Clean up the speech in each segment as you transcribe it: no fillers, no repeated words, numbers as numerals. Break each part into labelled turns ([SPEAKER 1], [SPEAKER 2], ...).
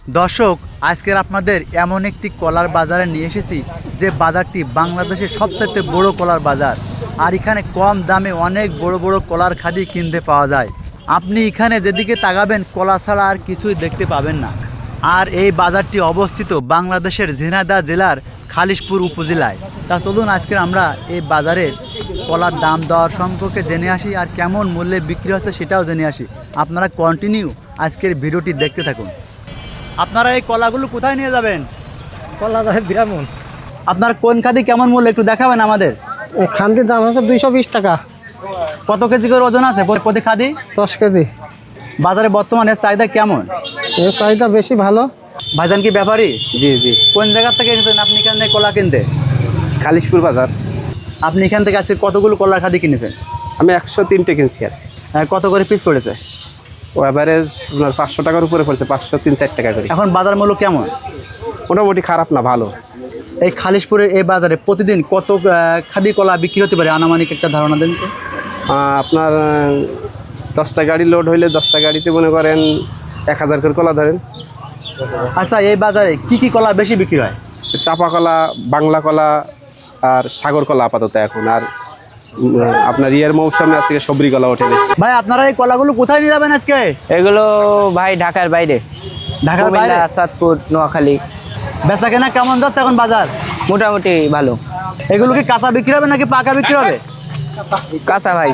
[SPEAKER 1] দর্শক, আজকের আপনাদের এমন একটি কলার বাজারে নিয়ে এসেছি যে বাজারটি বাংলাদেশের সবচেয়ে বড় কলার বাজার। আর এখানে কম দামে অনেক বড় বড় কলার খাদি কিনতে পাওয়া যায়। আপনি এখানে যেদিকে তাকাবেন কলা ছাড়া আর কিছুই দেখতে পাবেন না। আর এই বাজারটি অবস্থিত বাংলাদেশের ঝিনাইদহ জেলার খালিশপুর উপজেলায়। তা চলুন আজকে আমরা এই বাজারের কলার দাম দর সম্পর্কে জেনে আসি আর কেমন মূল্যে বিক্রি হচ্ছে সেটাও জেনে আসি। আপনারা কন্টিনিউ আজকের ভিডিওটি দেখতে থাকুন। আপনারা এই কলাগুলো কোথায় নিয়ে যাবেন?
[SPEAKER 2] কলা দাম বিরামন।
[SPEAKER 1] আপনার কোন খাদি কেমন মূল্য একটু দেখাবেন আমাদের?
[SPEAKER 2] খান্তির দাম হচ্ছে 220 টাকা।
[SPEAKER 1] কত কেজি করে ওজন আছে প্রতি খাদি?
[SPEAKER 2] 10 কেজি।
[SPEAKER 1] বাজারে বর্তমানে চাহিদা কেমন?
[SPEAKER 2] এর চাহিদা বেশি ভালো।
[SPEAKER 1] ভাইজান কি ব্যাপারী?
[SPEAKER 3] জি জি,
[SPEAKER 1] কোন জায়গা থেকে এসেছেন আপনি এখানে কলা কিনতে?
[SPEAKER 3] খালিশপুর বাজার।
[SPEAKER 1] আপনি এখান থেকে আজকে কতগুলো কলার খাদি কিনেছেন?
[SPEAKER 3] আমি 103টে কিনছি আর
[SPEAKER 1] কত করে পিস পড়েছে?
[SPEAKER 3] ও অ্যাভারেজ আপনার 500 টাকার উপরে পড়ছে, 503-4 টাকা করে।
[SPEAKER 1] এখন বাজার মূল্য কেমন?
[SPEAKER 3] মোটামুটি খারাপ না, ভালো।
[SPEAKER 1] এই খালিশপুরের এই বাজারে প্রতিদিন কত খাদি কলা বিক্রি হতে পারে আনুমানিক একটা ধারণা দেন তো?
[SPEAKER 3] আপনার 10টা গাড়ি লোড হইলে 10টা গাড়িতে মনে করেন 1000 করে কলা ধরেন।
[SPEAKER 1] আচ্ছা, এই বাজারে কি কি কলা বেশি বিক্রি হয়?
[SPEAKER 3] চাপা কলা, বাংলা কলা আর সাগর কলা আপাতত এখন। আর আপনার ইয়ের মৌসুমে আজকে সবরি কলা ওঠে বেশি।
[SPEAKER 1] ভাই, আপনারা এই কলাগুলো কোথায় নিয়ে যাবেন আজকে?
[SPEAKER 4] এগুলো ভাই ঢাকার বাইরে,
[SPEAKER 1] ঢাকার বাইরে?
[SPEAKER 4] আসাদপুর, নোয়াখালী।
[SPEAKER 1] বেচা কেনা কেমন যাচ্ছে এখন বাজার?
[SPEAKER 4] মোটামুটি ভালো।
[SPEAKER 1] এগুলো কি কাঁচা বিক্রি হবে নাকি পাকা বিক্রি হবে?
[SPEAKER 4] কাঁচা ভাই।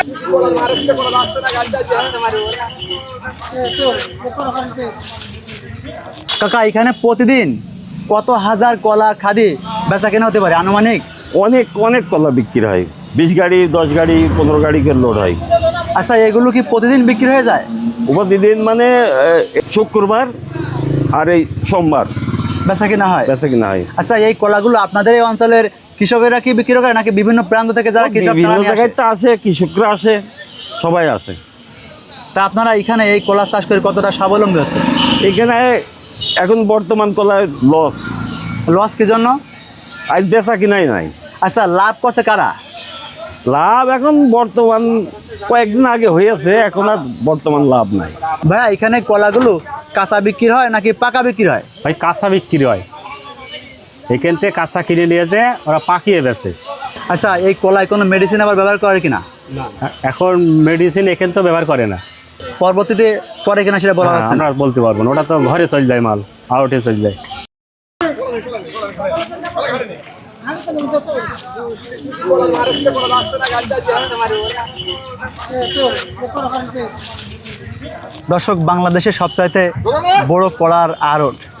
[SPEAKER 1] কাকা, এখানে প্রতিদিন কত হাজার কলা খাদি বেচা কেনা হতে পারে আনুমানিক?
[SPEAKER 5] অনেক অনেক কলা বিক্রি হয়, 20 গাড়ি 10 গাড়ি 15 গাড়ি করে লোড হয়।
[SPEAKER 1] আচ্ছা, এগুলো কি প্রতিদিন বিক্রি হয়ে যায়?
[SPEAKER 5] প্রতিদিন মানে শুক্রবার আর এই সোমবার
[SPEAKER 1] বেচা কেনা হয়?
[SPEAKER 5] বেচা কিনা হয়।
[SPEAKER 1] আচ্ছা, এই কলাগুলো আপনাদের এই অঞ্চলের কৃষকেরা কি বিক্রি করে নাকি বিভিন্ন প্রান্ত থেকে যারা কৃষক
[SPEAKER 5] বিভিন্ন
[SPEAKER 1] তারা নিয়ে আসে?
[SPEAKER 5] জায়গায় তো আসে, কৃষকরা আসে, সবাই আসে।
[SPEAKER 1] তা আপনারা এখানে এই কলা চাষ করে কতটা স্বাবলম্বী হচ্ছে?
[SPEAKER 5] এখানে এখন বর্তমান কলায় লস।
[SPEAKER 1] লস কি জন্য?
[SPEAKER 5] আজ বেচা কিনাই নাই।
[SPEAKER 1] আচ্ছা, লাভ করছে কারা?
[SPEAKER 5] লাভ এখন বর্তমান কয়েকদিন আগে হয়েছে, এখন আর বর্তমান লাভ নাই।
[SPEAKER 1] ভাইয়া, এখানে কলাগুলো কাঁচা বিক্রি হয় নাকি পাকা বিক্রি হয়?
[SPEAKER 6] ভাই কাঁচা বিক্রি হয়, এখান থেকে কাঁচা কিনে নিয়ে যায় ওরা পাকিয়ে বেছে।
[SPEAKER 1] আচ্ছা, এই কলায় কোনো মেডিসিন আবার ব্যবহার করে কিনা?
[SPEAKER 6] এখন মেডিসিন এখান তো ব্যবহার করে না,
[SPEAKER 1] পরবর্তীতে করে কিনা সেটা বলা যাচ্ছে না।
[SPEAKER 6] আমরা বলতে পারবো না, ওটা তো ঘরে চলে যায়, মাল আউটে চলে যায়।
[SPEAKER 1] দর্শক, বাংলাদেশের সবচাইতে বড় কলার আড়ত